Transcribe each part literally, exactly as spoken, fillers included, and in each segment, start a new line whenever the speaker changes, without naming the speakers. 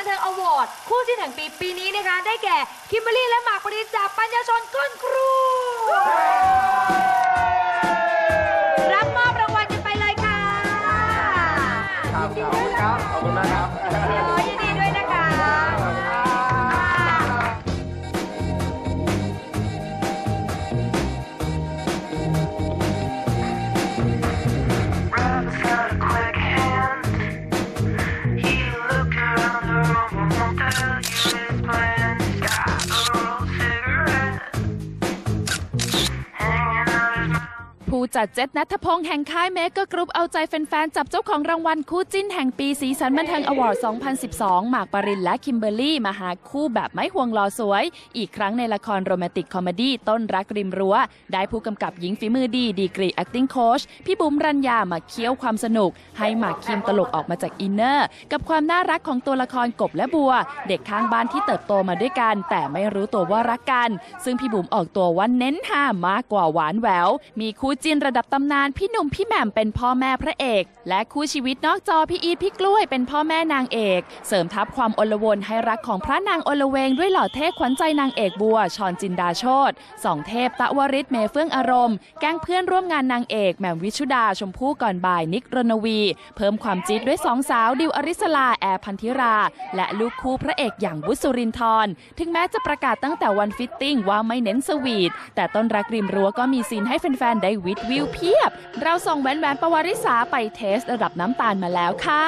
นเทิงอวอร์ดคู่จิ้นแห่งปีปีนี้นะคะได้แก่คิมเบอรรี่และหมากปรินจากปัญญาชนก้นครูรับมอบรางวัลกันไปเลยค่ะ
ครับขอบคุณครับขอบคุณมากครับ
ยินดีด้วยนะคะ
ผู้จัดเจ็ดณัฐพงษ์แห่งค่ายเมกะกรุ๊ปเอาใจแฟนๆจับเจ้าของรางวัลคู่จิ้นแห่งปีสีสันบันเทิงอวอร์ด สองพันสิบสอง หมากปรินและคิมเบอรรี่มาหาคู่แบบไม่ห่วงหล่อสวยอีกครั้งในละครโรแมนติกคอมเมดี้ต้นรักริมรั้วได้ผู้กำกับหญิงฝีมือดีดีกรี acting coach พี่บุ๋มรัญญามาเคี่ยวความสนุกให้หมากคิมตลกออกมาจากอินเนอร์กับความน่ารักของตัวละครกบและบัวเด็กข้างบ้านที่เติบโตมาด้วยกันแต่ไม่รู้ตัวว่ารักกันซึ่งพี่บุ๋มออกตัวว่าเน้นห้ามากกว่าหวานแหววมีคู่จิ้นระดับตำนานพี่หนุ่มพี่แหม่มเป็นพ่อแม่พระเอกและคู่ชีวิตนอกจอพี่อีทพี่กล้วยเป็นพ่อแม่นางเอกเสริมทับความอลวนให้รักของพระนางอลเวงด้วยหล่อเท่ขวัญใจนางเอกบัวชรจินดาโชติสองเทพตะวริศเมเฟื่องอารมณ์แก๊งเพื่อนร่วมงานนางเอกแหม่มวิชุดาชมพู่ก่อนบ่ายนิกรณวีเพิ่มความจี๊ดด้วยสองสาวดิวอริสลาแอร์พันธิราและลูกคู่พระเอกอย่างวุฒิสุรินทร์ถึงแม้จะประกาศตั้งแต่วันฟิตติ้งว่าไม่เน้นสวีทแต่ต้นรักริมรั้วก็มีซีนให้แฟนๆได้วิดวิวเพียบเราส่งแหวนแหวนปวาริสาไปเทสระดับน้ำตาลมาแล้วค่ะ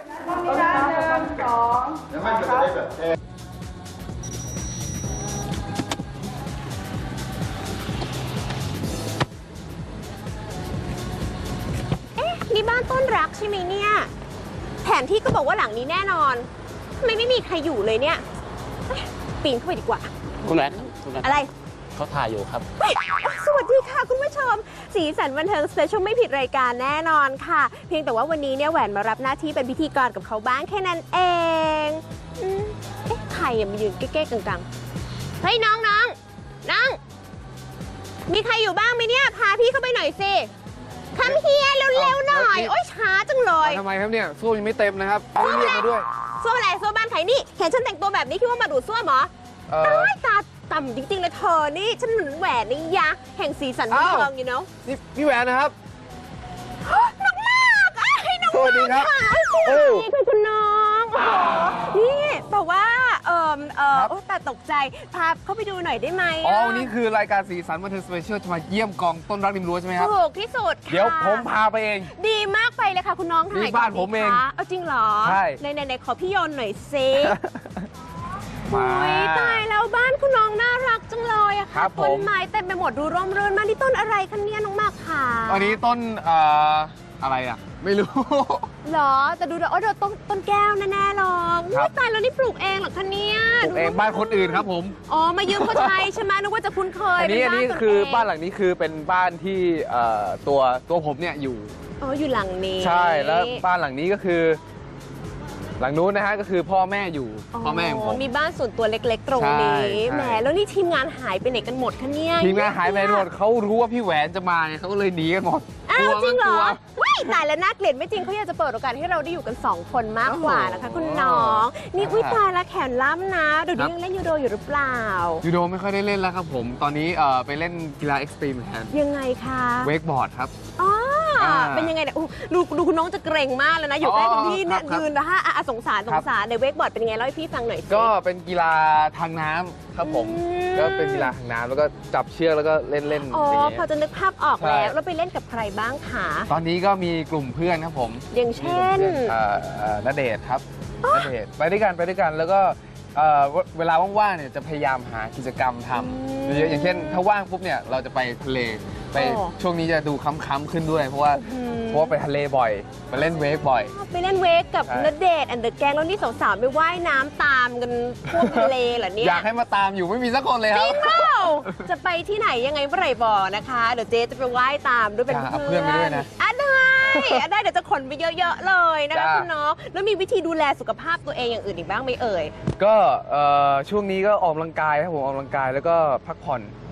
เอ๊ะนี่บ้านต้นรักใช่ไหมเนี่ยแผนที่ก็บอกว่าหลังนี้แน่นอนทำไมไม่มีใครอยู่เลยเนี่ยปีนเข้าไปดีกว่า
คุณแม่คุณแม่
อะไร
เขาถ่ายอยู่ครับ
สวัสดีค่ะคุณผู้ชมสีสันบันเทิงสเปเชียลไม่ผิดรายการแน่นอนค่ะเพียงแต่ว่าวันนี้เนี่ยแหวนมารับหน้าที่เป็นพิธีกรกับเขาบ้างแค่นั้นเองอืมเอ๊ะใครอะมายืนเก๊ๆกังๆเฮ้ยน้องน้องน้องมีใครอยู่บ้างไหมเนี่ยพาพี่เข้าไปหน่อยสิคัมเฮียเร็วๆหน่อยโอ๊ยช้าจังเลย
ทำไมครับเนี่ยส้วมยังไม่เต็มนะครับไม่เรียกมาด้วย
ส้วมอะไรส้วมบ้านใครนี่เห็นฉันแต่งตัวแบบนี้คิดว่ามาดูดส้วมเหรอตายตาต่ำจริงๆเลยเธอนี่ฉันเหมือนแหวนนี่ยะแห่งสีสันบันเทิงอยู่เนาะ
นี่พี่แหวนนะครับ
น้องมากให้น้อง
สวัสดีครับ
สวัสดีค่ะคุณน้องนี่แต่ว่าเออเออแต่ตกใจพาเข้าไปดูหน่อยได้ไหม
อ๋อวันนี้คือรายการสีสันบันเทิงสเปเชียลจะมาเยี่ยมกองต้นรักริมรั้วใช่ไหมครับ
ถูกที่สุดค่ะ
เดี๋ยวผมพาไปเอง
ดีมากไปเลยค่ะคุณน้อง
นี่บ้านผมเอง
เอาจริงเหรอ
ใช่
ในในขอพี่โยนหน่อยซิโอ้ยตายแล้วบ้านคุณน้องน่ารักจังเลยอะค่ะต้นไม้เต็มไปหมดดูร่มรื่นมากนี่ต้นอะไรคะเนี่ยน้องมากค่ะ
อันนี้ต้นเอ่ออะไรอะไม่รู้
หรอแต่ดูแล้วโอ้เดี๋ยวต้นต้นแก้วแน่ๆหรอกตายแล้วนี่ปลูกเองเหรอคะเนี่ย
ปลูกเองบ้านคนอื่นครับผม
อ๋อมายืมเขาใช้ใช่ไหมนึกว่าจะคุ้นเคย
อันนี้อันนี้คือบ้านหลังนี้คือเป็นบ้านที่เอ่อตัวตัวผมเนี่ยอยู่
อ๋ออยู่หลังนี้
ใช่แล้วบ้านหลังนี้ก็คือหลังนู้นนะฮะก็คือพ่อแม่อยู่พ่อแม่ของผม
มีบ้านส่วนตัวเล็กๆตรงนี้แหมแล้วนี่ทีมงานหายไปไหนกันหมดคะเนี่ย
ทีมงานหายไปหมดเขารู้ว่าพี่แหวนจะมาเขาก็เลยหนีกันหมด
อ้าวจริงเหรอว้ายตายแล้วน่าเกลียดไม่จริงเขาอยากจะเปิดโอกาสให้เราได้อยู่กันสองคนมากกว่านะคะคุณน้องนี่อุ้ยตายแล้วแขนล้ำนะเดี๋ยวนี้ยังเล่นยูโดอยู่หรือเปล่า
ยูโดไม่ค่อยได้เล่นแล้วครับผมตอนนี้เอ่อไปเล่นกีฬาเอ็กซ์ตรีมแทน
ยังไงคะ
เวกบอร์ดครับ
อ๋อเป็นยังไงเนี่ยดูดูคุณน้องจะเกรงมากเลยนะอยู่ใกล้คุณพี่เนี่ยยืนนะฮะสงสารสงสารในเวกบอร์ดเป็นยังไงเล่าให้พี่ฟังหน่อยสิ
ก็เป็นกีฬาทางน้ำครับผมก็เป็นกีฬาทางน้ำแล้วก็จับเชือกแล้วก็เล่นเล่น
อ๋อพอจะนึกภาพออกแล้วแล้วไปเล่นกับใครบ้างคะ
ตอนนี้ก็มีกลุ่มเพื่อนครับผม
อย่างเช่น
ณเดชน์ครับณเดชน์ไปด้วยกันไปด้วยกันแล้วก็เวลาว่างๆเนี่ยจะพยายามหากิจกรรมทำเยอะอย่างเช่นถ้าว่างปุ๊บเนี่ยเราจะไปทะเลไปช่วงนี้จะดูค้ำๆขึ้นด้วยเพราะว่าเพราะว่าไปทะเลบ่อยไปเล่นเวกบ่อย
ไปเล่นเวกกับณเดชน์แอนด์เดอะแก๊งแล้วนี่สาวๆไปว่ายน้ำตามกันทั่วทะเลเหรอเนี่ย
อยากให้มาตามอยู่ไม่มีสักคนเลยครับ
จะไปที่ไหนยังไงเมื่อไหร่บอกนะคะเดี๋ยวเจ๊จะไปว่ายตามด้วยเป็นเพื่อน
ไปด้วยนะ
อ่ะได้ได้เดี๋ยวจะขนไปเยอะๆเลยนะคะคุณน้องแล้วมีวิธีดูแลสุขภาพตัวเองอย่างอื่นอีกบ้างไหมเอ่ย
ก็ช่วงนี้ก็ออกกำลังกายครับผมออกกำลังกายแล้วก็พักผ่อน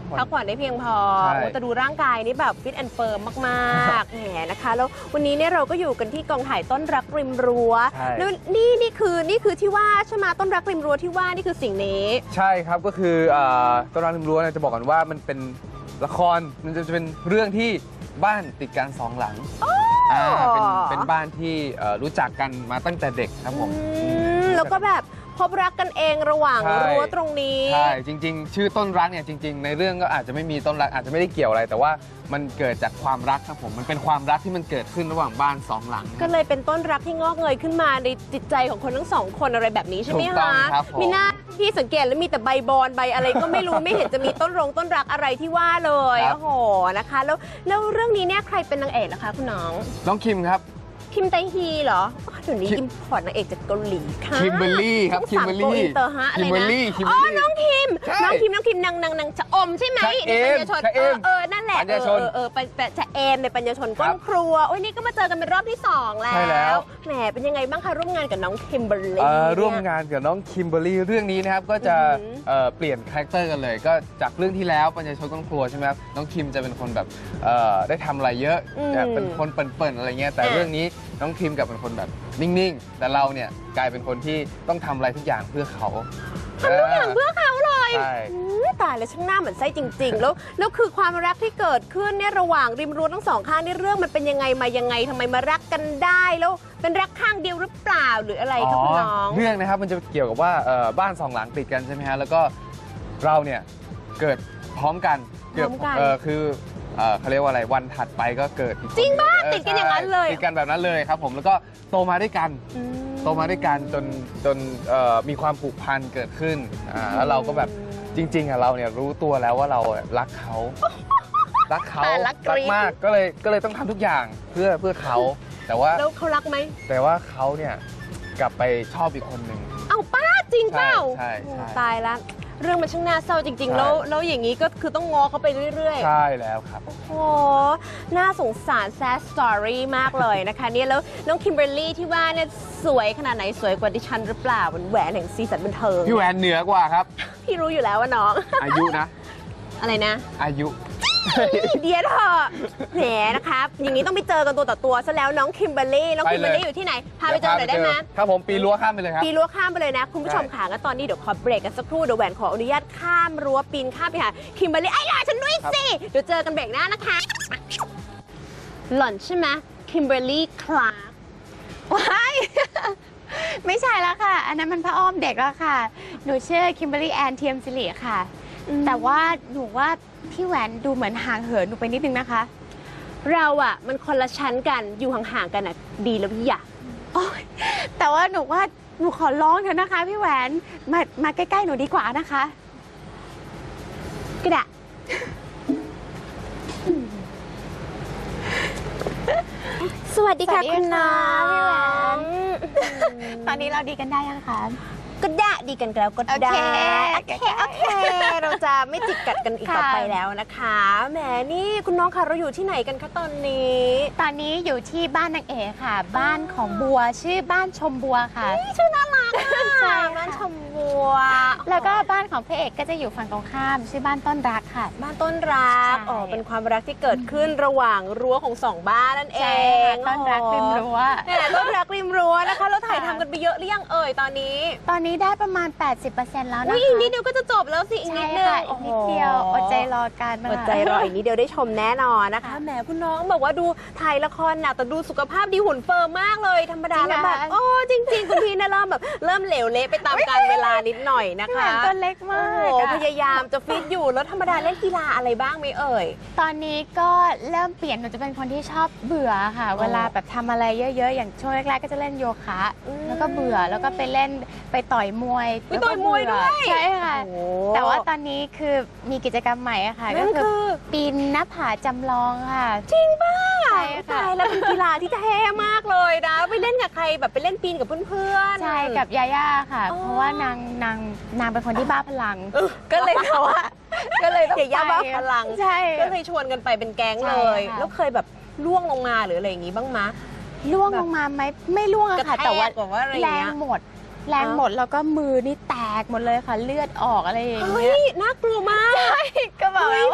ผ่อน
พักผ่อนได้เพียงพอ
ใช่
โอ้แต่ดูร่างกายนี่แบบฟิตแอนด์เฟิร์มมากๆ แหมนะคะ แล้ววันนี้เนี่ยเราก็อยู่กันที่กองถ่ายต้นรักริมรั้ว
ใช่
แล้วนี่นี่คือนี่คือที่ว่าใช่ไหมต้นรักริมรั้วที่ว่านี่คือสิ่งนี้
ใช่ครับก็คืออ่าต้นรักริมรั้วเนี่ยจะบอกกันว่ามันเป็นละครมันจะเป็นเรื่องที่บ้านติดกันสองหลังอ่าเป็นเป็นบ้านที่เอ่อรู้จักกันมาตั้งแต่เด็กครับผม
อืมแล้วก็แบบพบรักกันเองระหว่าง
ใช่
รั้วตรงนี้
ใช่จริง ๆ ชื่อต้นรักเนี่ยจริง ๆ ในเรื่องก็อาจจะไม่มีต้นรักอาจจะไม่ได้เกี่ยวอะไร แต่ว่ามันเกิดจากความรักครับผมมันเป็นความรักที่มันเกิดขึ้นระหว่างบ้านสองหลัง
ก็เลยเป็นต้นรักที่งอกเงยขึ้นมาในจิตใจของคนทั้งสองคนอะไรแบบนี้ใช่ไหม
ถูกต้อ
คะ
งครับผม
มีหน้าที่สังเกตแล้วมีแต่ใบบอนใบอะไรก็ไม่รู้ ไม่เห็นจะมีต้นรงต้นรักอะไรที่ว่าเลยโอ้โหนะคะ แล้วแล้วเรื่องนี้เนี่ยใครเป็นนางเอกล่ะคะคุณน้อง
น้องคิมครับ
คิมไตฮีเหรออ๋อเดี๋ยวนี้
คิม
อิมพอร์ตนางเอกจากเกาหลีค่ะ
คิมเบอร์รี่ครับ
ช่อง
คิม
สาม
เบอร์
โก
รี่
อินเตอร์ฮะอะไร
คิมเบอ
นะ
ร์รี่คิมเบ
อ๋
อ
อ
ร์รี่
น้องคิม
ใช่
น้องคิมน้องคิมนางนางนางชะอมใช่ไหม
ชะเอม
ในปัญญาชน
ชะเอ
เออ
ม
เออนั่นแหละ
ปัญญาชน
เออเออเออปัญชะเอมในปัญญาชนก้
ครั
น
บ
ครัวโอ้ยนี่ก็มาเจอกันเป็นรอบที่สองแล้
ใช่แล้ว ว
แหมเป็นยังไงบ้างคะร่วมงานกับน้องคิมเบอร์รี่
เอ่อ
เนี่ย
ร่วมงานกับน้องคิมเบอร์รี่เรื่องนี้นะครับก็จะ
อือหือ
เอ่อเปลี่ยนคาแรคเตอร์กันเลย ก็จากเรื่องที่แล้วปัญญาชนก้นครัวใช่ไหมครับน้องคิมจะเป็นคนแบบเอ่อได้ทำอะไรเยอะ
อืม
จะเป็นคนเปิ่นๆอะไรเงี้ยแต่
อ่ะ
เรื่องนี้น้องคิมกลับเป็นคนแบบนิ่งๆ แต่เราเนี่ยกลายเป็นคนที่ต้องทำอะไรทุกอย่างเพื่อเขา
ทำทุกอย่างเพื่อเขาเลย
ใช่
อืมตายแล้วช่างหน้าเหมือนไส้จริง ๆ แล้วแล้วคือความรักที่เกิดขึ้นเนี่ยระหว่างริมรั้วทั้งสองข้างนี่เรื่องมันเป็นยังไงมายังไงทำไมมารักกันได้แล้วเป็นรักข้างเดียวหรือเปล่าหรืออะไรคะคุณน้อง
เรื่องนะครับมันจะเกี่ยวกับว่าเอ่อบ้านสองหลังติดกันใช่ไหมฮะแล้วก็เราเนี่ยเกิดพร้อมกันเกิด
พร้อมกัน
เออคือเอ่อเขาเรียกว่าอะไรวันถัดไปก็เกิดอีกคน
จริงปะ
เ
ติดกันอย่างนั้นเลย
ติดกันแบบนั้นเลยครับผมแล้วก็โตมาด้วยกัน
อืม
โตมาด้วยกันจนจนเอ่อมีความผูกพันเกิดขึ้นอ่าแล้วเราก็แบบจริงๆอ่ะเราเนี่ยรู้ตัวแล้วว่าเรารักเขารักเขา
อ่ารักกรี๊ด
มากก็เลยก็เลยต้องทำทุกอย่างเพื่อเพื่อเขาแต่ว่า
แล้วเขารักไหม
แต่ว่าเขาเนี่ยกลับไปชอบอีกคนหนึ่ง
เอ้าป้าจริงเปล่า
ใช่ใช่ใช่
โอ้ตายละเรื่องมันช่างน่าเศร้าจริง
ใช่
ๆ แล้วแล้วอย่างนี้ก็คือต้องง้อเขาไปเรื่อยๆ
ใช่แล้วครับ
โอ้โห น่าสงสารแซดสตอรี่มากเลยนะคะเนี่ยแล้วน้องคิมเบอร์รี่ที่ว่าเนี่ยสวยขนาดไหนสวยกว่าดิฉันหรือเปล่าเป็นแหวนแห่งซีสันบันเทิง
พี่แหวนเหนือกว่าครับ
พี่รู้อยู่แล้วว่าน้อง
อายุนะ
อะไรนะ
อายุ
เดียวเถอะแหมนะครับ อย่างนี้ต้องไปเจอกันตัวต่อตัวซะแล้วน้องคิมเบอร์รี่น้อง
ไป
คิม
เลย
เบอร์รี่อยู่ที่ไหน พาไปเจอหน่อยได้ไหม
ครับผมปีนรั้วข้ามไปเลยครับ
ปีนรั้วข้ามไปเลยนะ คุณผู้ชม
ใช่
ค่ะงั้นตอนนี้เดี๋ยวขอเบรกกันสักครู่เดี๋ยวแหวนขออนุญาตข้ามรั้วปีนข้ามไปหาคิมเบอร์รี่ไอ้หล่ะฉันด้วยสิเดี๋ยวเจอกันเบรกหน้านะคะ หล่อนใช่ไหมคิมเบอร์รี่คลาร์ก
ว้าย ไม่ใช่แล้วค่ะ อันนั้นมันพระอ้อมเด็กแล้วค่ะ หนูชื่อคิมเบอรี่แอนเทียมสิริค่ะ แต่ว่าหนูว่าพี่แหวนดูเหมือนห่างเหินหนูไปนิดนึงนะคะ
เราอะมันคนละชั้นกันอยู่ห่างๆกันอะดีแล้วพี่อยาก
โอ๊ยแต่ว่าหนูว่าหนูขอร้องเถอะนะคะ พี่แหวนมามาใกล้ๆหนูดีกว่านะคะ
ก็ได้ สวัสดีค่ะ
สวัสดี
คุณน้อ
ค่ะพี่แหวน
ง
ตอนนี้เราดีกันได้ยังคะ
ก็ได้ดีกันแล้วก็
โอ
ได้
เค
โอเคโอเค เราจะไม่จิกกัดกันอีก
ค่ะ
ต่อไปแล้วนะคะแหมนี่คุณน้องค่ะเราอยู่ที่ไหนกันคะตอนนี้
ตอนนี้อยู่ที่บ้านนางเอกค่ะ บ้านของบัวชื่อบ้านชมบัวค่ะ
ชื่อน่ารัก
ใช่
ค่ะ
ค่ะ
บ้านชมบัว
แล้วก็บ้านของพระเอกก็จะอยู่ฝั่งตรงข้ามชื่อบ้านต้นรักค่ะ
บ้านต้นรัก
ใช่
อ๋อเป็นความรักที่เกิดขึ้นระหว่างรั้วของสองบ้านนั่นเอ
ใช่
ง
ค่ะต้นรักริมรั้ว
แหมต้นรักริมรั้วนะคะเราถ่ายทำกันไปเยอะหรือยังเอ่ยตอนนี้
ตอนนี้ได้ประมาณ แปดสิบเปอร์เซ็นต์ แล้วนะคะ
อุ้ยอีกนิดเดียวก็จะจบแล้วสิอีกนิดนึง
ใช่ค่ะอีกนิดเดียวอดใจรอกันนะคะ
อดใจรออีกนิดเดียวได้ชมแน่นอนนะคะแหมคุณน้องบอกว่าดูถ่ายละครหนักแต่ดูสุขภาพดีหุ่นเฟิร์มมากเลยธรรมดาแล้วแบบโอ้จริง ๆ คุณพี่นะเริ่มแบบเริ่มเหลวเละไปตามกาลเวลานิดหน่อยนะ
พี่แหว
คะ
นตัวเล็กมา
โอ้
ก
โห
อะ
พยายามจะฟิตอยู่แล้วธรรมดาเล่นกีฬาอะไรบ้างไหมเอ่ย
ตอนนี้ก็เริ่มเปลี่ยนหนูจะเป็นคนที่ชอบเบื่อค่ะ เวลาแบบทำอะไรเยอะๆ อย่างช่วงแรกๆก็จะเล่นโยคะ
อืม
แล้วก็เบื่อแล้วก็ไปเล่นไปต่อยมวย
ไปต่อยมวยด้วย
ใช่ค่ะ
โอ้
แต่ว่าตอนนี้คือมีกิจกรรมใหม่อะค่ะ
นั่
ก็
น
คือ
คือ
ปีนหน้าผาจำลองค่ะ
จริงป่ะ
ใช่ค่ะ
ตายแล้วเป็นกีฬาที่เท่มากเลยนะไปเล่นกับใครแบบไปเล่นปีนกับเพื่อนๆ
ใช่กับยาย่าค่ะ
อ๋อ
เพราะว่านางนางนางเป็นคนที่บ้าพลัง ก็เลยแบบว่าก็เลยต้อง
เกียย่าบ้าพลัง
ใช่
ก็เลยชวนกันไปเป็นแก๊ง
ใช่
เลย
ค่ะ
แล้วเคยแบบล่วงลงมาหรืออะไรอย่างงี้บ้างมะ
ล่วงลงมาไหมไม่ล่วงอะค่ะ
กระแทก
แต่ว่า
แบบว่าอะไรอ
แร
ย่างเงี้
ง
ย
หมด แรงหมดแล้วก็มือนี่แตกหมดเลยค่ะ เลือดออกอะไรอย่าง
เฮ้
เงี้ย
ยน่ากลัวมาก
ก็แบบ
เฮ้ย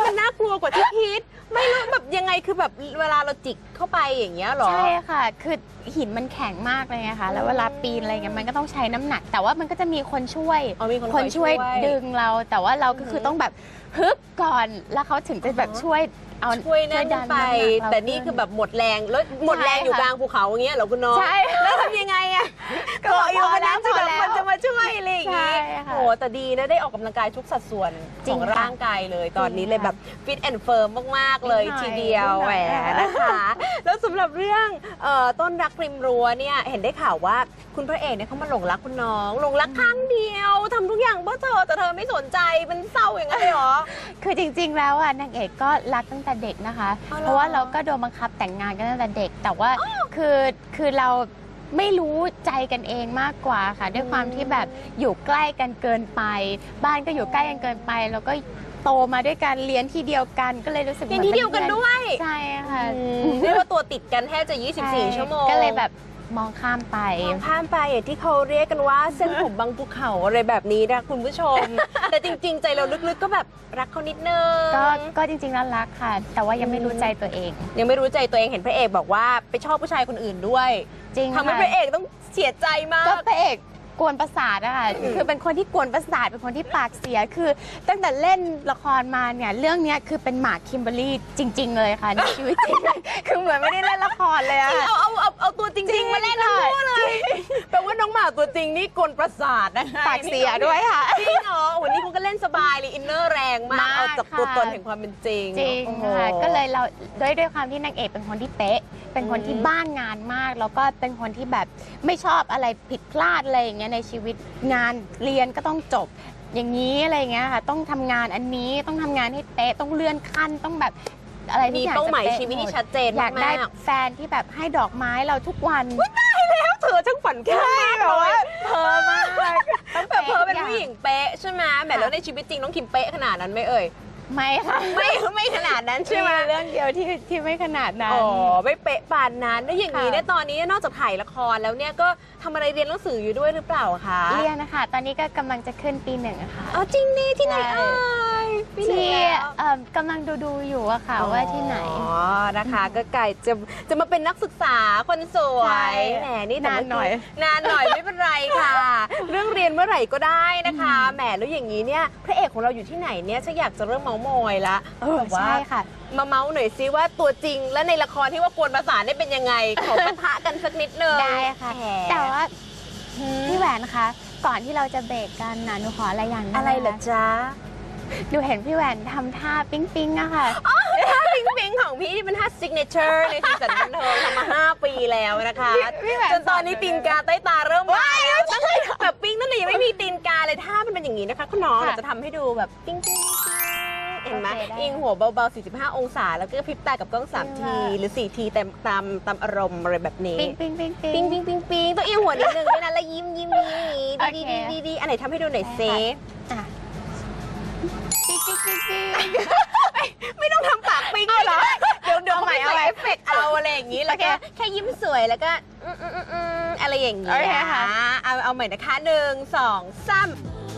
กว่าที่คิด ไม่รู้แบบยังไงคือแบบเวลาเราจิกเข้าไปอย่างเงี้ยเหรอ
ใช่ค่ะ คือหินมันแข็งมากเลยไงคะแล้วเวลาปีนอะไรเงี้ยมันก็ต้องใช้น้ำหนัก แต่ว่ามันก็จะมีคนช่วย
อ๋อมีคน
คนช่วย
ช่วย
ดึงเรา แต่ว่าเราก็คือต้องแบบฮึบก่อนแล้วเขาถึงจะแบบช่วยเอา
ช่วยนั่น
ดั
ไป
ำหกเรา
แต่นี่คือแบบหมดแรงแล้วหมดแรงอยู่กลางภูเขาอย่างเงี้ยเหรอคุณน้อง
ใช่
แล้วทำยังไงอะ
ก็
เกาะอยู่บน
พอแล้
นั้
วน
จะ
พอแล้ว
มันจะมาช่วยอะไรอย่างงี้
ใช่ค่ะ
โอ้แต่ดีนะได้ออกกำลังกายทุกสัดส่วน
จริ
ของ
งค่ะ
ร่างกายเลยตอนนี้เลย
จริง
แบ
ค่ะ
บฟิตแอนด์เฟิร์มมากๆเลย
นิดหน่อย
ทีเดียว
นิดห
แห
น่
ว
อย
นะคะ แล้วสำหรับเรื่องเอ่อต้นรักริมรั้วเนี่ยเห็นได้ข่าวว่าคุณพระเอกเนี่ยเขามาหลงรักคุณน้องหลงรักครั้งเดียวทำทุกอย่างเพื่อเธอแต่เธอไม่สนใจมันเศร้าอย่างนั้นเลยเหรอ
คือจริงๆ แล้วอ่ะนางเอกก็รักตั้งแต่เด็กนะคะ
อ๋อเหรอ
เพราะว่าเราก็โดนบังคับแต่งงานกันตั้งแต่เด็ก แต่ว่าคือคือเราไม่รู้ใจกันเองมากกว่าค่ะ ด้วยความที่แบบอยู่ใกล้กันเกินไป บ้านก็อยู่ใกล้กันเกินไป แล้วก็โตมาด้วยกันเรียนที่เดียวกันก็เลยรู้สึก
เรียนที่เดียวกันด้วย
ใช่ค่ะ
เรียกว่าตัวติดกันแทบจะยี่สิบสี่
ใช่
ชั่วโมง
ก็เลยแบบมองข้ามไป
มองข้ามไปอย่างที่เขาเรียกกันว่าเส้นผมบางภูเขาอะไรแบบนี้นะคุณผู้ชม แต่จริงๆ ใจเราลึกๆก็แบบรักเขานิดนึง
ก็ก็จริงๆแล้วรักค่ะ แต่ว่ายังไม่รู้ใจตัวเอง
ยังไม่รู้ใจตัวเองเห็นพระเอกบอกว่าไปชอบผู้ชายคนอื่นด้วย
จริง
ทำให้
ค่ะ
พระเอกต้องเสียใจมาก
ก็พระเอกกวนประสาทอะค่ะคือเป็นคนที่กวนประสาทเป็นคนที่ปากเสียคือตั้งแต่เล่นละครมาเนี่ยเรื่องเนี้ยคือเป็นหมากคิมเบอร์รี่จริง ๆ เลยค่ะในชีวิตจริง คือเหมือนไม่ได้เล่นละครเลยอะ
เอาเอาเอาเอาตัวจริงๆมาเล่นทั้งคู่เลยแปลว่าน้องหมาตัวจริงนี่กลประสาทนะคะ
ปากเสียด้วยค่ะ
จริงเหรอวันนี้คุณก็เล่นสบายเลยอินเนอร์แรงมาก
มาก
เอาจากตัว
ค่ะ
ตนแห่งความเป็นจริง
จริง
โอ้โห
ค่ะก็เลยเราด้วยด้วยความที่นางเอกเป็นคนที่เป๊ะ เป็นคนที่
อืม
บ้านงานมาก แล้วก็เป็นคนที่แบบไม่ชอบอะไรผิดพลาดอะไรอย่างเงี้ยในชีวิตงานเรียนก็ต้องจบ อย่างนี้อะไรอย่างเงี้ยค่ะต้องทำงานอันนี้ต้องทำงานให้เป๊ะต้องเลื่อนขั้นต้องแบบอะไรทุ
มี
กอย่าง
เป้าหมาย
จะป๊ะ
ชีวิตที่
หม
ชัดเจน
อยากได้
มาก
แฟนที่แบบให้ดอกไม้เราทุกวัน
ๆเธอช่างฝันแค่มาก
แบบว่า
เพ้อมากต้องแบบเพ้อเป็นผู้หญิงเป๊ะใช่ไหมแหมแล้วในชีวิตจริงน้องคิมเป๊ะขนาดนั้นไหมเอ่ย
ไม่ค่ะ
ไม่ไม่ขนาดนั้นใช่ไหม
เรื่องเดียวที่ที่ไม่ขนาดนั้น
อ๋อไม่เป๊ะปานนั้นแล้วอย่างนี้
ค่ะ
เนี่ยตอนนี้นอกจากถ่ายละครแล้วเนี่ยก็ทำอะไรเรียนหนังสืออยู่ด้วยหรือเปล่าคะ
เรียนนะคะตอนนี้ก็กำลังจะขึ้นปีหนึ่งอะค่ะ
อ๋อจริงนี่ที่ไหน
ใช่
เอ่ยปีไหน
ที่
แล้ว
เอิ่มกำลังดูดูๆอยู่อะค่ะว่าที่ไหน
อ๋อนะคะก็ไก่จะจะมาเป็นนักศึกษาคนสว
ใช่
ยแหมนี่แต่
นานหน่อย
นานหน่อยไม่เป็นไรค่ะ เรื่องเรียนเมื่อไหร่ก็ได้นะคะแหมแล้วอย่างนี้เนี่ยพระเอกของเราอยู่ที่ไหนเนี่ยฉันอยากจะเริ่มเมาส์มอยละ
เออ
แบบว่า
ใช่ค่ะ
มาเมาส์หน่อยซิว่าตัวจริงและในละครที่ว่ากวนประสานได้เป็นยังไง ขอปะทะกันสักนิดนึง
ได้ค่ะ
แหม
แต่ว่าพี่แหวนคะ ก่อนที่เราจะเบรกกันนะหนูขออะไรอย่างหนึง
อะไรเหรอ
นะคะ
จ๊ะ
หนูเห็นพี่แหวนทำท่าปิ๊งปิ๊งๆอะค่ะ
ท่าปิงปิงของพี่ที่เป็นท่าซิกเนเจอร์ในสีสันบันเทิงทำมาห้าปีแล้วนะคะ
พี่แหวน
จนตอนนี้ตีนกาใต้ตาเริ่มมาแล้วตั้งแต่แบบปิ้งตั้งแต่ยังไม่มีตีนกาเลยท่ามันเป็นอย่างนี้นะคะคุณน้อง
ค่ะ
เราจะทำให้ดูแบบปิ้งปิ้งปิ้งเห็นไหม
โอเคได้
อิงหัวเบาๆ สี่สิบห้า องศา แล้วก็พริบตากับกล้องสาม
จริง
ที
ค่ะ
หรือสี่ทีตามตามตามอารมณ์อะไรแบบนี้
ปิ๊งปิ๊งปิ๊ง
ปิ้งปิ้งปิ้งปิ้งต้องอิงหัวนิดนึงด้วยนะแล้วยิ้มยิ้มยิ้มอย่างนี้
โอ
ดี
เค
ดีดีดีอันไหนทำให้ดูหน่อยเซ
อ่ะปิ๊งปิ๊งปิ๊งปิ๊ง
ไม่ต้องทำปากปิ้งเหรอเดี๋ยวเดี๋ยว
เอาใหม่
เขาไป
เอาใหม่
ใส่เอฟเฟกต์เอาอะไรอย่างนี้แล้วก็
โอเค
แค่ยิ้มสวยแล้วก็อืมอืมอืมอืมอะไรอย่างนี้
โอเคค่ะ
เอาเอาใหม่นะคะหนึ่งสองสาม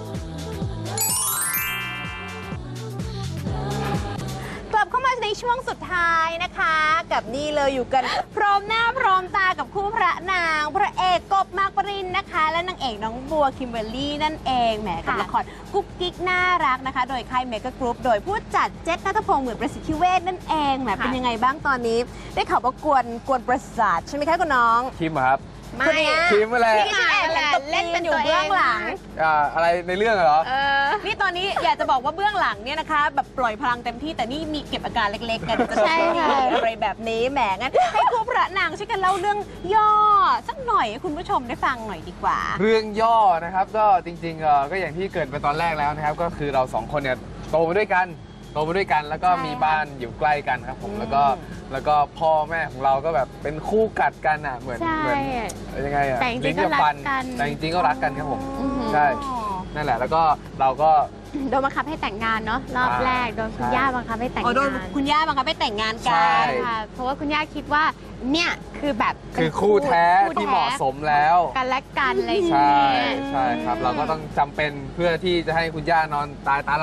กลับเข้ามาในช่วงสุดท้ายนะคะ กับนี่เลยอยู่กัน พร้อมหน้าพร้อมตากับคู่พระนาง พระเอกกบมากปรินนะคะ และนางเอกน้องบัวคิมเบอร์รี่นั่นเองแหมกับ
ค่ะ
ละครกุ๊กกิ๊กน่ารักนะคะ โดยค่ายเมกะกรุ๊ปโดยผู้จัดเจษณัฐพงศ์เหมือนประสิทธิเวชนั่นเองแหมเป็นยังไงบ้างตอนนี้ ได้ข่าวว่ากวนกวนประสาทใช่ไหมคะคุณน้อง
คิมเหรอครับ
ไม่
คนเนี้ย
คิมอะไร
ที่ฉันแอบเห็นตบ
เล่นเป็น
อยู่
ตัวเอง
เบื้องหลัง
อ่าอะไรในเรื่องเหรอ
เออ
นี่ตอนนี้อยากจะบอกว่าเบื้องหลังเนี่ยนะคะ แบบปล่อยพลังเต็มที่แต่นี่มีเก็บอาการเล็กๆกันจะ
ใช่ค่ะ
อะไรแบบนี้แหมงั้นให้คู่พระนางช่วยกันเล่าเรื่องย่อสักหน่อยให้คุณผู้ชมได้ฟังหน่อยดีกว่า
เรื่องย่อนะครับก็จริงๆเอ่อก็อย่างที่เกริดไปตอนแรกแล้วนะครับ ก็คือเราสองคนเนี่ยโตมาด้วยกันโตมาด้วยกัน แล้วก็
ใช่
มีบ้านอยู่ใกล้กันครับผม
อืม
แล้วก็แล้วก็พ่อแม่ของเราก็แบบเป็นคู่กัดกันอ่ะเหมือน
ใช่
เหมือนยังไงอ่ะ
แต่จริงๆ
ลิ้นกับฟัน
ก็รักกัน
แต่จริงๆก็รักกันครับผม
อือหือ
ใช่นั่นแหละแล้วก็เราก็
โดนบังคับให้แต่งงานเนาะรอบ
อ่า
แรกโดนคุณ
ใช่
ย่าบังคับให้แต่ง
อ๋อโดน
งาน
คุณย่าบังคับให้แต่งงาน
ใช่
กัน
ค่ะ เพราะว่าคุณย่าคิดว่าเนี่ยคือแบบเป็น
คือคู่แท้
คู่
ที่เหมาะสมแล้ว
กันและกันอะไรอย่าง
ใช่
เงี้ย
ใช่ครับ เราก็ต้องจำเป็นเพื่อที่จะให้คุณย่านอนตายตาหลับ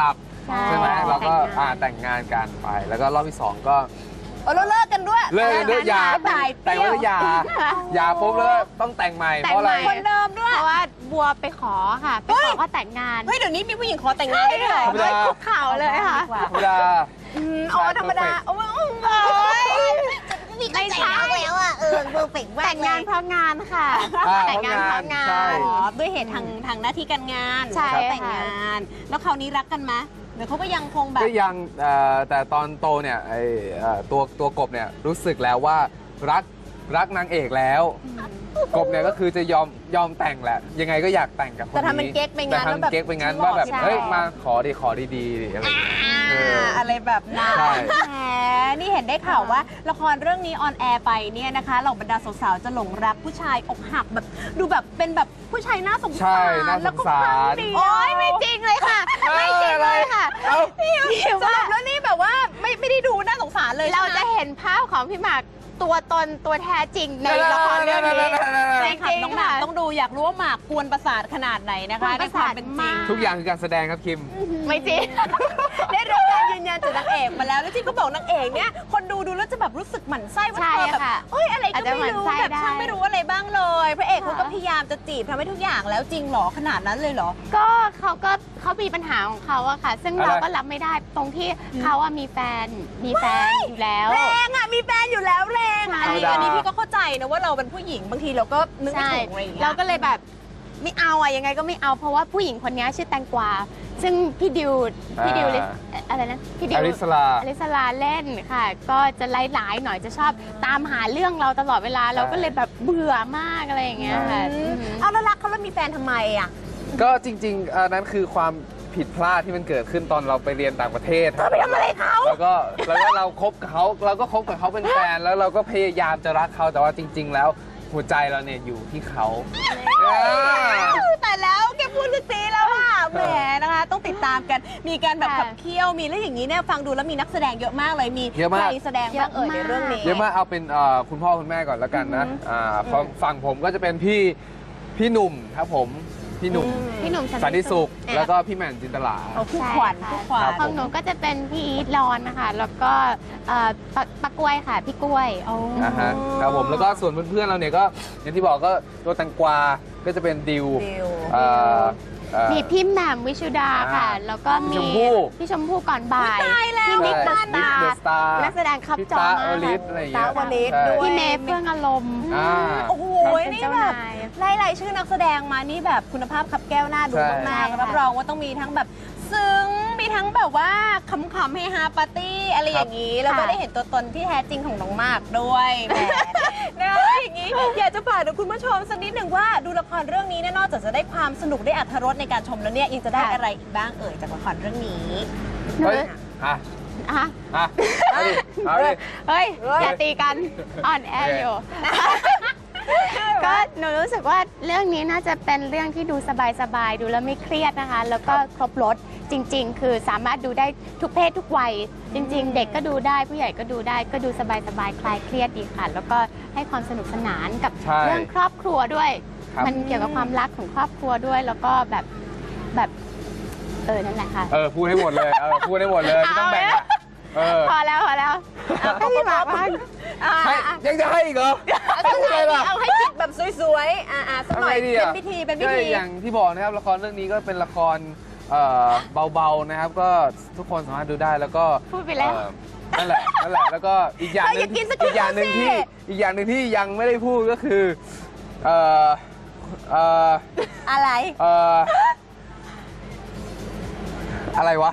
ใช่
ใช่ไหมเราก็
แต่งงาน
อ่าแต่งงานกันไป แล้วก็รอบที่สองก็
เออแล้วเลิกกันด้วย
เลิกกันด้วยหย่า
ตายเป
แต่ง
รี้ยว
แล้วหย่าหย่าปุ๊บแล้วต้องแต่งใหม่
แต่
เพ
ง
ราะอะไร
ใหม่
คนเดิมด้วย
เพราะว่าบัวไปขอค่ะ ไปขอเขาแต่งงาน
เฮ้ยเดี๋ยวนี้มีผู้หญิงขอแต่งงานได้ด้วยเหรอ
ธรรมดา
คุกเข่าเลยค่ะ
ธรรมดา
อืมอ๋อธรรมดาโอ้ย
ไม่ใช่
แล้วอ่ะเออเพอร์เฟกต์
แต่งงานเพราะงานค่ะ
อ่า
แต่งงานเพราะงา
ใช่
น
อ๋อด้วยเหตุทางทางหน้าที่การงาน
ใช่
เขาแต่ง
ค่ะ
งาน แล้วคราวนี้รักกันไหมเดี๋ยวเขาก็ยังคงแบบ
ก็ยังเอ่อแต่ตอนโตเนี่ยไอเอ่อตัวตัวกบเนี่ยรู้สึกแล้วว่ารักรักนางเอกแล้ว กบเนี่ยก็คือจะยอมยอมแต่งแหละ ยังไงก็อยากแต่งกับคนนี้
แต่ทำเป็นเก๊กไปงั้น
แต่
แล้วแบบ
ทำเก๊กไปงั้น
ฉันหล่อ
ว่าแบบ
ใช่
เฮ้ยมาขอดีขอดีๆดิอะไรอย่างเงี้ยเออ
อะไรแบบนั้น
ใช่
แหมนี่เห็นได้ข่าวว่าละครเรื่องนี้ออนแอร์ไปเนี่ยนะคะเหล่าบรรดาสาวๆจะหลงรักผู้ชายอกหักแบบดูแบบเป็นแบบผู้ชายน่าสง
ใช่
สาร
น่าส
แล้ว
ง
ก็
สา
ฟัง
ร
ดี
โอ๊ยไม่จริงเลยค่ะ ไม่จริงเลยค่ะ
เอ้า
สรุปแล้วนี่แบบว่าไม่ไม่ได้ดูน่าสงสารเลย
เรา
ใช่ไหม
จะเห็นภาพของพี่หมากตัวตนตัวแท้จริงในละครเรื่องนี้
ใช่ค่ะน้องหมากต้องดูอยากรู้ว่าหมากกวนประสาทขนาดไหนนะคะ
กวนประสาท
ในควมเป็นจริง
มาก
ทุกอย่างคือการแสดงครับคิม
ไม่จริง
ได้รับการยืนยันจากนางเอกมาแล้วแล้วที่เขาบอกนางเอกเนี่ยคนดูดูแล้วจะแบบรู้สึกหมั่นไส้ว่า
ใช่
เธอแบบ
ค่ะ
เอ้ยอะไรก็ไม่รู้
อาจจะหมั่นไส้
แบบ
ได้
ช่างไม่รู้อะไรบ้างเลยพระเอกเขาก็
ค่ะ
พยายามจะจีบทำให้ทุกอย่างแล้วจริงเหรอขนาดนั้นเลยเหรอ
ก็เขาก็เขามีปัญหาของเขาอะค่ะ ซึ่ง
อะไร
เราก็รับไม่ได้ตรงที่เขาอะมีแฟนมีแฟนอยู่แล้ว
แรงอ่ะมีแฟนอยู่แล้วแรงอ่ะอันนี้
ธรรมดา
อันนี้พี่ก็เข้าใจนะว่าเราเป็นผู้หญิงบางทีเราก็นึกไม่
ใช่
ถูกอะไรอย่างเงี้ย
เราก็เลยแบบไม่เอาอะยังไงก็ไม่เอาเพราะว่าผู้หญิงคนนี้ชื่อแตงกวาซึ่งพี่ดิวพี่ดิวลิสอะไรนะพี่ดิว
อลิสลา
อลิสลาเล่นค่ะ ก็จะไล่หลายๆหน่อยจะชอบตามหาเรื่องเราตลอดเวลาเราก็เลยแบบเบื่อมากอะไรอย่างเงี้ยค่ะ
อืม
อืม
เอาแล้วรักเขาแล้วมีแฟนทำไมอ่ะ
ก็จริงๆอันนั้นคือความผิดพลาดที่มันเกิดขึ้นตอนเราไปเรียนต่างประเทศ
ไปทำอะไรเขา
แล้วก็แล้วก็เราคบกับเขาเราก็คบกับเขาเป็นแฟนแล้วเราก็พยายามจะรักเขาแต่ว่าจริง ๆ แล้วหัวใจเราเนี่ยอยู่ที่เขาอ่า
แต่แล้วแกพูดลึกซีแล้วอ่ะแหมนะคะ ต้องติดตามกันมีการแบบ
ค่ะ
ขับเคี่ยวมีแล้วอย่างนี้เนี่ยฟังดูแล้วมีนักแสดงเยอะมากเลยมี
เยอะมาก
ใครแสดงบ้างเอ่ยในเรื่องนี้
เยอะมากเอาเป็นเอ่อคุณพ่อคุณแม่ก่อนแล้วกันนะอ่าฝั่งฝั่งผมก็จะเป็นพี่พี่หนุ่มครับผมพี่หนุ่ม
พี่หนุ่ม
สันติสุขแล้วก็พี่แหม่มจินตลา
เอาคู่ขวัญคู่ขวัญ
ครับ
ของหนูก็จะเป็นพี่อีทรอนนะคะแล้วก็เอ่อปะปะกล้วยค่ะพี่กล้วย
อ่าฮะครับผมแล้วก็ส่วนเพื่อนๆเราเนี่ยก็อย่างที่บอกก็ตัวแตงกวาก็จะเป็นดิว
ดิว
เอ่อเอ่อ
มีพี่แหม่มวิชุดาค่ะ
อ่า
แล้วก็มี
พี่ชมพู่
พี่ชมพู่ก่อนบ่าย
ตายแล้ว
พี่นิก
ใช่
เดอะสตา
นิกเดอะ
ร์
สตาร์
นักแสดงครับ
พี่
จอ
ตาม
าก
อลิสอะไรอย่างเงี้ย
ตาวลิส
ใช่
ด้วย
พี่เมย์เฟื่องอารมณ์
อ่า
โอ้โห
เป็น
นี่
เจ้า
แบบ
นาย
ไล่รายชื่อนักแสดงมานี่แบบคุณภาพขับแก้วหน้าดู
ใช่
มาก
ใช่
ๆรับ
ค่ะ
รองว่าต้องมีทั้งแบบซึ้งมีทั้งแบบว่าขำๆเฮฮาปาร์ตี้อะไรอย่างนี้ แล้วก็ได้เห็นตัวตนที่แท้จริงของน้องมากด้วยแหมนะอย่างนี้อยากจะฝากถึงคุณผู้ชมสักนิดหนึ่งว่าดูละครเรื่องนี้เนี่ยนอกจากจะได้ความสนุกได้อรรถรสในการชมแล้วเนี่ยยังจะได้อะไรอีกบ้างเอ่ยจากละครเรื่องนี้
หนู
เฮ้ยอ่ะ
อ่ะ
อ่ะเอาดิเอาดิ
เฮ้ย
เฮ้ย
อย่าตีกันอ่อนแออยู่ ก็หนูรู้สึกว่าเรื่องนี้น่าจะเป็นเรื่องที่ดูสบายๆ ดูแล้วไม่เครียดนะคะ แล้วก็ครบรสจริง ๆ คือสามารถดูได้ทุกเพศทุกวัย จริง ๆ เด็กก็ดูได้ผู้ใหญ่ก็ดูได้ก็ดูสบายๆ คลายเครียดดีค่ะ แล้วก็ให้ความสนุกสนานกับ
ใช่
เรื่องครอบครัวด้วย
ครับ
มันเกี่ยวกับความรักของครอบครัวด้วย แล้วก็แบบแบบเออนั่นแหละค่ะ
เออพูดให้หมดเลยเออพูดให้หมดเลยไม่ต้องแบ่งอะเออ
พอแล้วพอแล้วเอาให้พี่หมากบ้าง
ให้ยังจะให้อีกเหรอเอาใจล่ะ
เอาให้จิตแบบสวยๆอ่าๆสักหน่อย
ทำไงดี
เป็
อะ
นพิธีเป็นพิ
ก็
ธี
อย่างที่บอกนะครับละครเรื่องนี้ก็เป็นละครเอ่อเบาๆนะครับ ก็ทุกคนสามารถดูได้แล้วก็
พูดไปแล้ว
เอ่อนั่นแหละนั่นแหละแล้วก็อีกอย่างหนึ่ง
เธออย่ากินสกิน
อีกอย่างหนึ่งที่
สิ
อีกอย่างหนึ่งที่ยังไม่ได้พูดก็คือเอ่อเอ่อ
อะไร
เอ่ออะไรวะ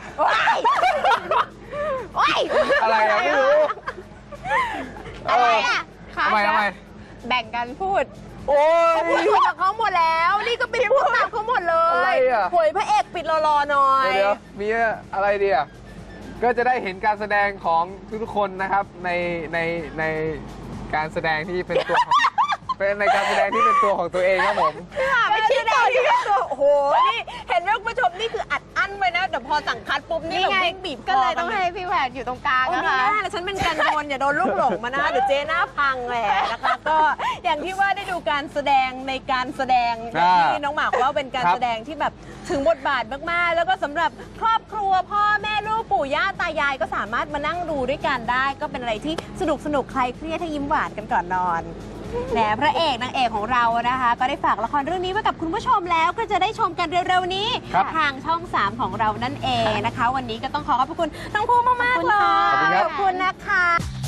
โอ๊ย
อะไรอะไม่รู้
อะไรอ่ะ
ทำไมทำไม
แบ่งกันพูด
โอ้ย
พูดกับเขาหมดแล้ว นี่ก็เป็นพูดตามเขาหมดเล
อะไร
ย
อะ
หวยพระเอกปิดรอๆหน่อย
เดี๋ยวๆมีอะไรดีอ่ะ ก็จะได้เห็นการแสดงของทุกๆคนนะครับในในในการแสดงที่เป็นตัวของ เป็นในการแสดงที่เป็นตัวของตัวเองครับผม
ไม่ใช่แดนี่ก็ตัวโอ้โห นี่เห็นไหมคุณผู้ชมนี่คืออัดอั้นไว้นะแต่พอสั่งคัดปุ๊บนี่
นี่
แบบ
ไง
วิ่งบีบค
ก็เลยต้องให้พี่แหวนอยู่ตรงกลาง
โอ้
นะ
ไม่
คะ
ได้แล้วฉันเป็นกันโดนอย่าโดนลูกหลงมานะเดี๋ยวเจ๊หน้าพังแหละนะคะ ก็อย่างที่ว่าได้ดูการแสดงในการแสดงอย่างที่น้องหมากว่าเป็นการแสดงที่แบบถึงบทบาทมากๆ แล้วก็สำหรับครอบครัวพ่อแม่ลูกปู่ย่าตายายก็สามารถมานั่งดูด้วยกันได้ ก็เป็นอะไรที่สนุกสนุกคลายเครียดให้ยิ้มหวานกันก่อนนอนแหมพระเอกนางเอกของเรานะคะ ก็ได้ฝากละครเรื่องนี้ไว้กับคุณผู้ชมแล้วก็จะได้ชมกันเร็วๆนี้ ทางช่องสามของเรานั่นเองนะคะ วันนี้ก็ต้องขอขอบพระคุณทั้งคู่มากๆเลย
ขอบคุณครับ
ขอบคุณนะคะ